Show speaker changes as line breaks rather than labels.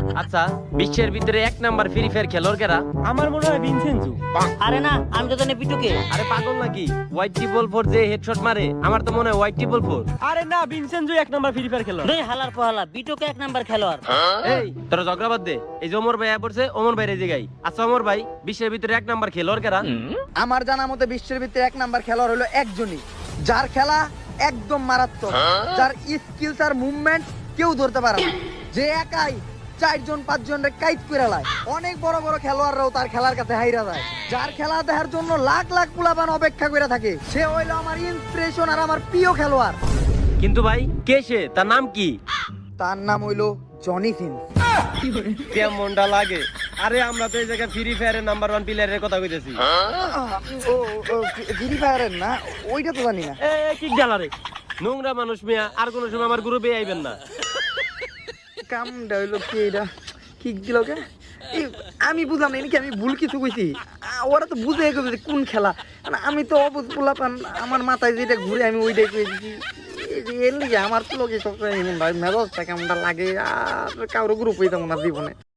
আচ্ছা, বিশ্বের ভিতরে 1 নাম্বার ফ্রি ফায়ার খেলোয়াড় কারা?
আমার মনে হয় ভিনসেন্টু।
আরে না, আমি তো জানি পিটুকে।
আরে পাগল নাকি? হোয়াইট ট্রিপল ফোর যে হেডশট মারে, আমার তো মনে হয় হোয়াইট ট্রিপল ফোর।
আরে না, ভিনসেন্টু 1 নাম্বার ফ্রি ফায়ার খেলোয়াড়।
রে হালার পহালা, পিটুকে 1 নাম্বার খেলোয়াড়।
এই তোরা ঝগড়া বাদ দে। এই যে ওমর ভাই আয়া পড়ছে, ওমর ভাই রেজে গাই। আচ্ছা ওমর ভাই, বিশ্বের ভিতরে 1 নাম্বার খেলোয়াড় কারা?
আমার জানা মতে বিশ্বের ভিতরে 1 নাম্বার খেলোয়াড় হলো একজনই, যার খেলা একদম মারাত্মক, যার স্কিলস আর মুভমেন্ট কেউ ধরতে পারে না, যে একাই 4 জন 5 জন রে কাইট করে লায়। অনেক বড় বড় খেলোয়াড়রাও তার খেলার কাছে হাইরা যায়, যার খেলা দেখার জন্য লাখ লাখ পোলাপান অপেক্ষা করে থাকে। সে হইলো আমার ইন্সপিরেশন আর আমার প্রিয় খেলোয়াড়।
কিন্তু ভাই কে সে? তার নাম কি?
তার নাম হইলো জনি সিন্স।
কেমনটা লাগে? আরে আমরা তো এই জায়গায় ফ্রি ফায়ারের নাম্বার 1 প্লেয়ারের কথা কইতেছি।
ও ফ্রি ফায়ারের না, ওইটা তো জানি না।
এ কিক ডালারে নোংরা মানুষ মিয়া, আর কোন সময় আমার গ্রুপে আইবেন না।
কামটা হইলো কি এটা, কিক দিল কে? আমি বুঝলাম না, কি আমি ভুল কিছু কইছি? ওরা তো বুঝে গেছে যে কোন খেলা। আমি তো অবুঝ পোলাপান, আমার মাথায় যেটা ঘুরে আমি ওইটাই কই দিছি। এর লিগে আমার তো লোকে সবসময় মেজাজটা কেমনটা লাগে, আর কারো গ্রুপ হইতাম না জীবনে।